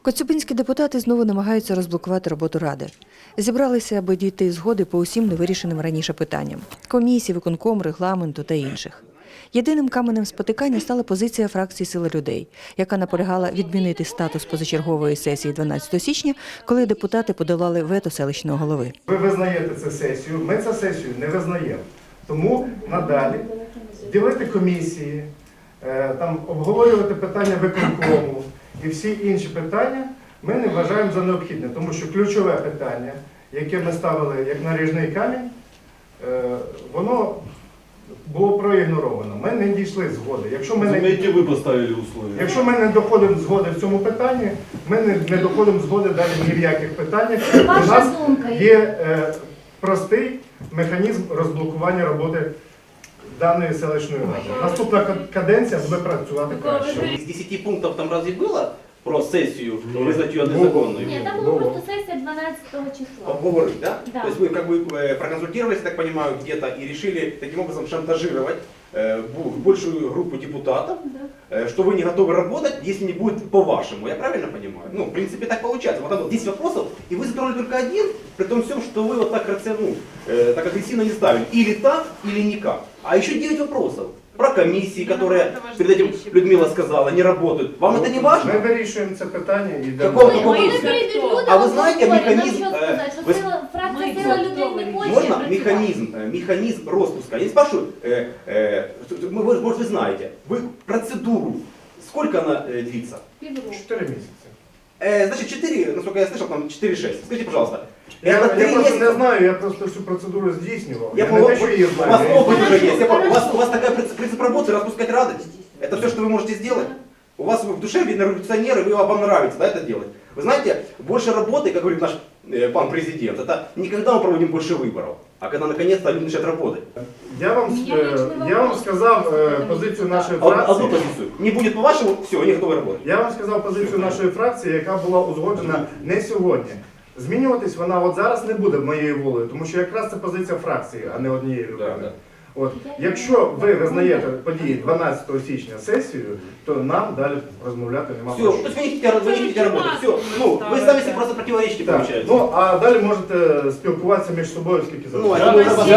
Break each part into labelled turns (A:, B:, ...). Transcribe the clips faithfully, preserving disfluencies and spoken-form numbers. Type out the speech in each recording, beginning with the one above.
A: Коцюбинські депутати знову намагаються розблокувати роботу Ради. Зібралися, аби дійти згоди по усім невирішеним раніше питанням – комісії, виконком, регламенту та інших. Єдиним каменем спотикання стала позиція фракції «Сила людей», яка наполягала відмінити статус позачергової сесії дванадцятого січня, коли депутати подолали вето селищного голови.
B: Ви визнаєте цю сесію, ми цю сесію не визнаємо. Тому надалі ділити комісії, там, обговорювати питання виконкому і всі інші питання ми не вважаємо за необхідне, тому що ключове питання, яке ми ставили як наріжний камінь, воно було проігноровано. Ми не дійшли згоди. Якщо ми не,
C: ви поставили условия.
B: Якщо ми не доходимо згоди в цьому питанні, ми не, не доходимо згоди далі ні в яких питаннях. У нас є е, простий механізм розблокування роботи даної селищної ради. Наступна каденція буде працювати краще.
D: Из десяти пунктов там разве было про сессию, вызнать ее незаконной?
E: Нет, там была просто сессия двенадцатого числа.
D: Обговорить, да?
E: Да.
D: То есть вы как бы э, проконсультировались, я так понимаю, где-то и решили таким образом шантажировать э, бу- большую группу депутатов,
E: Да.
D: э, что вы не готовы работать, если не будет по-вашему. Я правильно понимаю? Ну, в принципе, так получается. Вот там вот десять вопросов, и вы затронули только один, при том всем, что вы вот так, ну, э, так агрессивно не ставили. Или так, или никак. А еще девять вопросов. Про комиссии, которые перед этим Людмила сказала, не работают. Вам это не важно?
B: Ми вирішуємо це питання і йдемо.
D: Какого
B: далі.
D: такого?
E: Вони перейдуть люди,
D: А ви знаєте
E: обговорюють.
D: механізм,
E: Нам що
D: е,
E: сказати, що
D: ви-
E: сила, фракція
F: Ми
E: «Сила
F: за
E: людей» не
F: хто
E: хоче
D: Можно
E: працювати?
D: механизм, э, механизм распуска? Я не спрашиваю, э, э, мы- вы, может, вы знаете, вы процедуру, сколько она э, длится?
E: Півроку.
B: Чотири місяці.
D: Э, значит, четыре, насколько я слышал, там четыре-шесть. Скажите, пожалуйста,
B: Я,
D: это
B: я
D: три
B: просто не
D: месяца?
B: знаю, я просто всю процедуру здійснював.
D: Я
B: Я,
D: понял,
B: не те, що її
D: у вас
B: знаю. я
D: опыт
B: її-
D: уже есть. Я понял, у вас,
E: Хорошо.
D: у вас такая принцип, принцип работы распускать радость. Это все, что вы можете сделать? У вас в душе, видно, революционеры, вы, вам нравится, да, это делать. Вы знаете, больше работы, как говорит наш э, пан президент, это не когда мы проводим больше выборов, а когда наконец-то люди начинают работать.
B: Я вам, е, я вам сказав е, позицію нашої
D: А- Одну
B: фракції.
D: позицию. Не будет по-вашему, все, они готовы работать.
B: Я вам сказав позицію нашої фракції, яка була узгоджена не сьогодні. Змінюватись вона от зараз не буде моєю волею, тому що якраз це позиція фракції, а не однієї людини.
D: Да, да.
B: От, якщо ви визнаєте події дванадцятого січня сесією, то нам далі розмовляти нема
D: Все,
B: про
D: то
B: що.
D: есть вы не хотите, вы не хотите работать. Все, ну, вы сами себе просто противоречите,
B: Так,
D: получается.
B: ну а далі можете спілкуватися між собою скільки
D: Ну, а
B: завгодно.
D: это мы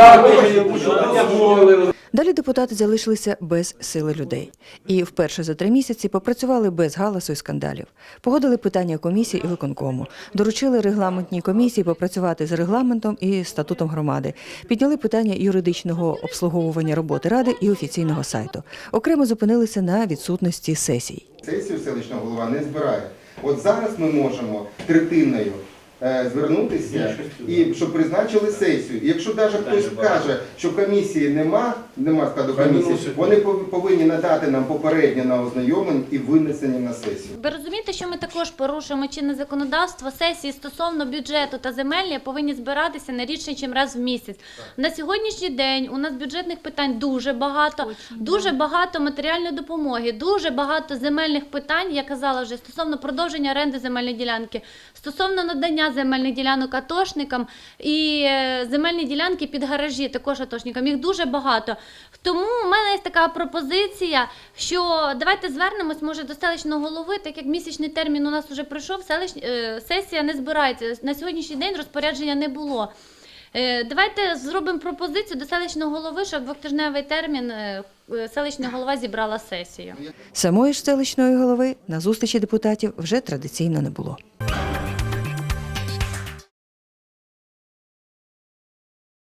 C: Дякую.
A: Далі депутати залишилися без сили людей. І вперше за три місяці попрацювали без галасу і скандалів. Погодили питання комісії і виконкому. Доручили регламентній комісії попрацювати з регламентом і статутом громади. Підняли питання юридичного обслуговування роботи Ради і офіційного сайту. Окремо зупинилися на відсутності сесій.
G: Сесію селищного голова не збирає. От зараз ми можемо третиною е, звернутися і щоб призначили сесію. І якщо навіть хтось каже, що комісії нема, нема складу комісії, вони пов- повинні надати нам попереднє на ознайомлення і винесення на сесію.
E: Ви розумієте, що ми також порушуємо чинне законодавство. Сесії стосовно бюджету та земельні повинні збиратися не рідше, ніж раз в місяць. На сьогоднішній день у нас бюджетних питань дуже багато, дуже багато матеріальної допомоги, дуже багато земельних питань, я казала вже, стосовно продовження оренди земельної ділянки, стосовно надання земельних ділянок атошникам і е, земельні ділянки під гаражі також атошникам. Їх дуже багато. Тому в мене є така пропозиція, що давайте звернемось, може, до селищного голови, так як місячний термін у нас вже пройшов, селищ... е, сесія не збирається. На сьогоднішній день розпорядження не було. Е, Давайте зробимо пропозицію до селищного голови, щоб в двотижневий термін е, е, селищна голова зібрала сесію.
A: Самої ж селищної голови на зустрічі депутатів вже традиційно не було.